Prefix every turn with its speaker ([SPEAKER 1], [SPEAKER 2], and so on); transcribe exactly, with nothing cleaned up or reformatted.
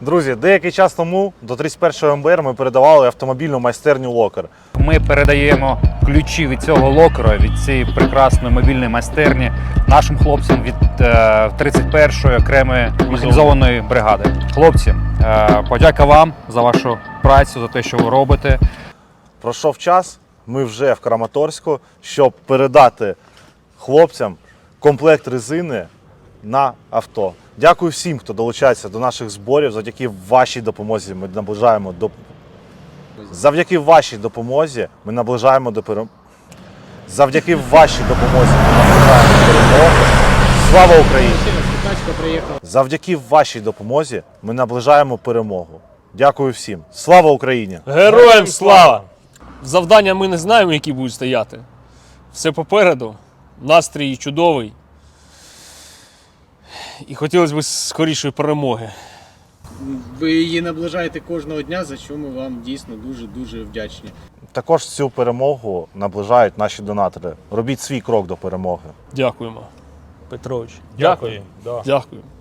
[SPEAKER 1] Друзі, деякий час тому до тридцять першого ем бе ер ми передавали автомобільну майстерню «Локер».
[SPEAKER 2] Ми передаємо ключі від цього локера, від цієї прекрасної мобільної майстерні нашим хлопцям від е, тридцять першої окремої механізованої бригади. Хлопці, е, подяка вам за вашу працю, за те, що ви робите.
[SPEAKER 1] Пройшов час, ми вже в Краматорську, щоб передати хлопцям комплект резини на авто. Дякую всім, хто долучається до наших зборів. Завдяки вашій допомозі ми наближаємо до Завдяки вашій допомозі ми наближаємо до перемоги. Завдяки вашій допомозі ми наближаємо до перемоги. Слава Україні! Завдяки вашій допомозі ми наближаємо перемогу. Дякую всім. Слава Україні!
[SPEAKER 3] Героям слава! Завдання ми не знаємо, які будуть стояти. Все попереду. Настрій чудовий. І хотілося б скорішої перемоги.
[SPEAKER 4] Ви її наближаєте кожного дня, за що ми вам дійсно дуже-дуже вдячні.
[SPEAKER 1] Також цю перемогу наближають наші донатори. Робіть свій крок до перемоги.
[SPEAKER 3] Дякуємо, Петрович.
[SPEAKER 5] Дякую.
[SPEAKER 3] Дякую.